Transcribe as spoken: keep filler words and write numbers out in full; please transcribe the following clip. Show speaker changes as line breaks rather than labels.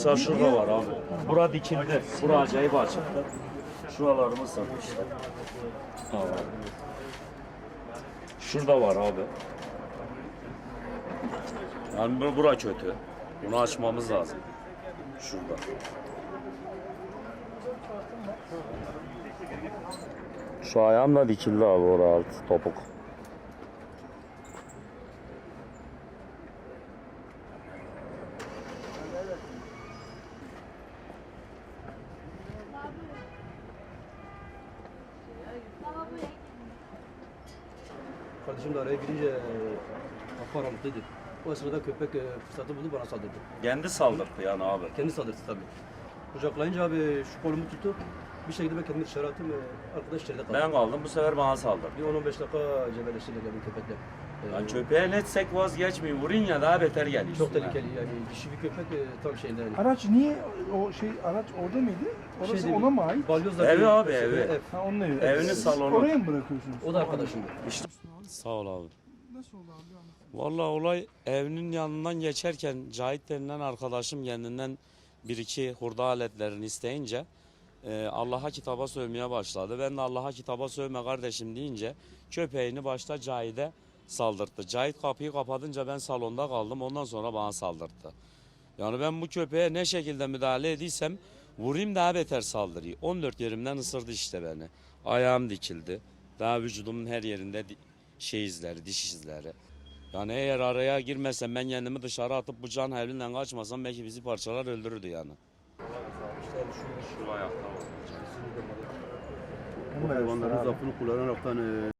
Mesela şurada var abi. Bura dikildi. Bura acayip açıktı. Şuralarımız sarı işte. Abi. Şurada var abi. Yani bu- bura kötü. Bunu açmamız lazım. Şurada. Şu ayağım da dikildi abi oraya altı topuk.
Kardeşim de araya girince e, kapı aralıklıydı. O sırada köpek e, fırsatı buldu bana saldırdı.
Kendi saldırdı yani abi.
Kendi saldırdı tabii. Kucaklayınca abi şu kolumu tuttu. Bir şekilde ben kendimi dışarı attım. E, arkadaş içeride kaldı.
Ben kaldım bu sefer bana saldırdı.
Bir on on beş dakika cebelleştiler yani köpekle. E,
Yani köpeğe netsek vazgeçmeyin. Vurun ya daha beter geliyor.
çok
üstüne.
tehlikeli yani dişi bir köpek e, tam şeyinde yani.
Araç niye o şey araç orada mıydı? Orası
Şey değil,
ona mı ait?
Balyozla
Evi
bir-
abi,
şey,
evi.
ev.
Ha onun evi.
Evinin
Siz
salonu.
Oraya mı bırakıyorsunuz?
O da arkadaşımdı.
İşte. Sağ ol abi.
Nasıl oldu abi? Anlat.
Vallahi olay evinin yanından geçerken Cahit denilen arkadaşım kendinden bir iki hurda aletlerini isteyince e, Allah'a kitaba sövmeye başladı. Ben de Allah'a kitaba sövme kardeşim deyince köpeğini başta Cahit'e saldırttı. Cahit kapıyı kapatınca ben salonda kaldım. Ondan sonra bana saldırttı. Yani ben bu köpeğe ne şekilde müdahale ediysem vurayım daha beter saldırıyı. on dört yerimden ısırdı işte beni. Ayağım dikildi. Daha vücudumun her yerinde di- şey izleri, diş izleri. Yani eğer araya girmesem ben kendimi dışarı atıp bu can havliyle kaçmasam belki bizi parçalar öldürürdü yani.
İşte şu
Şu ayakta var.
Bu hayvanların
abi.
zaafını kullanaraktan e,